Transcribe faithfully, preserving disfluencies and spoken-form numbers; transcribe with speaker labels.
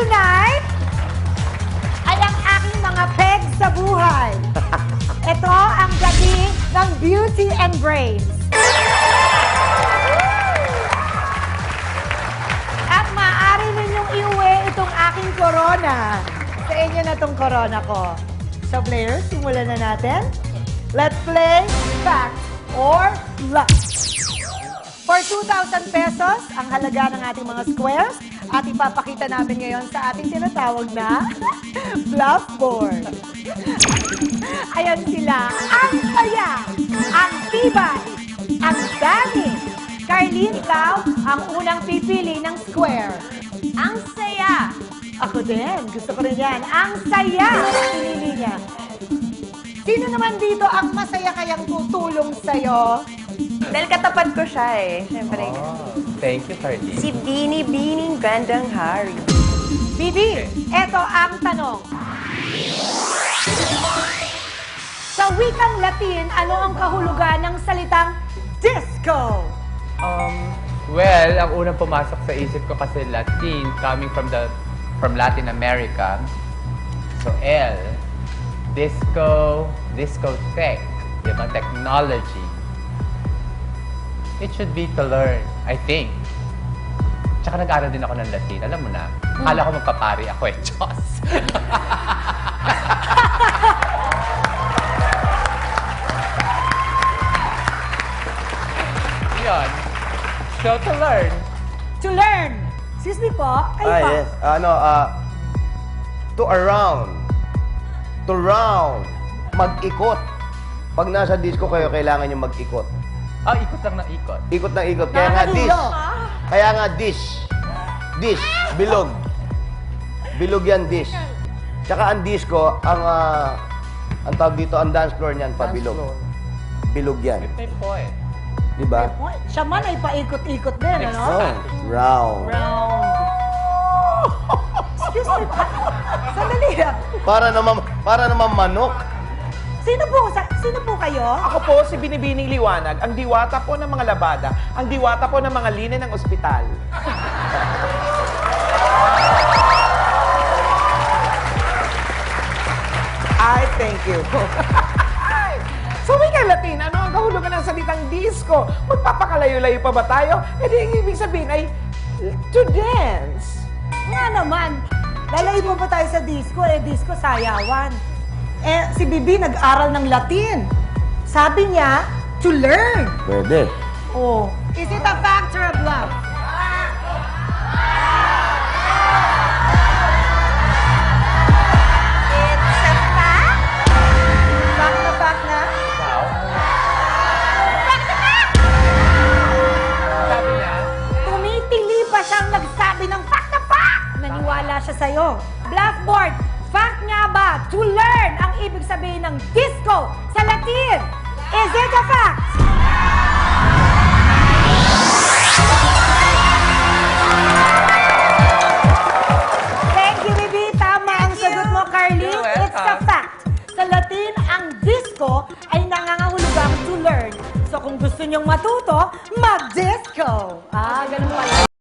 Speaker 1: tonight ay ang aking mga pegs sa buhay. Ito ang gabi ng Beauty and Brains. At maaari ninyong iuwi itong aking corona. Sa inyo na itong corona ko. So players, simulan na natin. Let's play Fact or Luck. For two thousand pesos, ang halaga ng ating mga squares, at ipapakita namin ngayon sa ating tinatawag na bluff board. Ayan sila, ang saya, ang tibay, ang dami. Carlene, ikaw ang unang pipili ng square. Ang saya. Ako din, gusto ko rin yan. Ang saya, pinili niya. Sino naman dito ang masaya kayang tutulong sa'yo?
Speaker 2: Dahil katapat ko siya eh. Siyempre.
Speaker 3: Oh, thank you, Cardi.
Speaker 2: Si Bini Bining Gandang Hari.
Speaker 1: Bibi, eto ang tanong. Sa wikang Latin, ano ang kahulugan ng salitang disco?
Speaker 3: Um, well, ang unang pumasok sa isip ko kasi Latin, coming from the from Latin America. So, L, disco, discotheque, di ba? Technology. It should be to learn, I think. Tsaka nag-aaral din ako ng Latin. Alam mo na, akala ko magpapari ako eh. Diyos! Yun. So, to learn.
Speaker 1: To learn. Excuse me po, kayo
Speaker 4: Ah,
Speaker 1: pa.
Speaker 4: yes. Ano, ah, to around. To round. Mag-ikot. Pag nasa disco kayo, kailangan nyo mag-ikot.
Speaker 3: Ah, ikot lang na ikot.
Speaker 4: Ikot ng ikot. Kaya nga dish.
Speaker 1: Nakakadulo.
Speaker 4: Kaya nga dish. Dish. Bilog. Bilog yan, dish. Tsaka ang disco, ang, ah, ang tawag dito, ang dance floor niyan, pabilog. Bilog yan.
Speaker 3: May point.
Speaker 4: Di ba?
Speaker 1: Oy, siya man ay paikot-ikot din, ano?
Speaker 4: Oh, round.
Speaker 1: Round. Excuse me po. Sandali lang.
Speaker 4: Para naman, para naman manok.
Speaker 1: Sino po, sa, sino po kayo?
Speaker 5: Ako po si Binibining Liwanag, ang diwata po ng mga labada, ang diwata po ng mga linya ng ospital. Ay, thank you. So, wika Latin, ano ang kahulugan ng salitang disco? Magpapakalayo-layo pa ba tayo? E di, ang ibig sabihin ay to dance.
Speaker 1: Nga naman. Lalayo mo pa tayo sa disco, eh disco sayawan. Eh, si Bibi nag-aral ng Latin. Sabi niya, to learn.
Speaker 4: Pwede.
Speaker 1: Oh. Is it a fact or a bluff?
Speaker 2: It's a fact.
Speaker 1: Fact na fact na?
Speaker 3: Wow. Sabi niya,
Speaker 1: Tumitili pa siyang nagsabi ng fact na fact. Naniwala siya sa'yo. Blackboard, fact nga ba to learn ang ibig sabihin ng disco sa Latin? Is it a fact? Thank you, Bibi. Tama ang sagot mo, Carly.
Speaker 3: You're
Speaker 1: It's a
Speaker 3: welcome.
Speaker 1: fact. Sa Latin, ang disco ay nangangahulugang to learn. So kung gusto niyong matuto, mag-disco!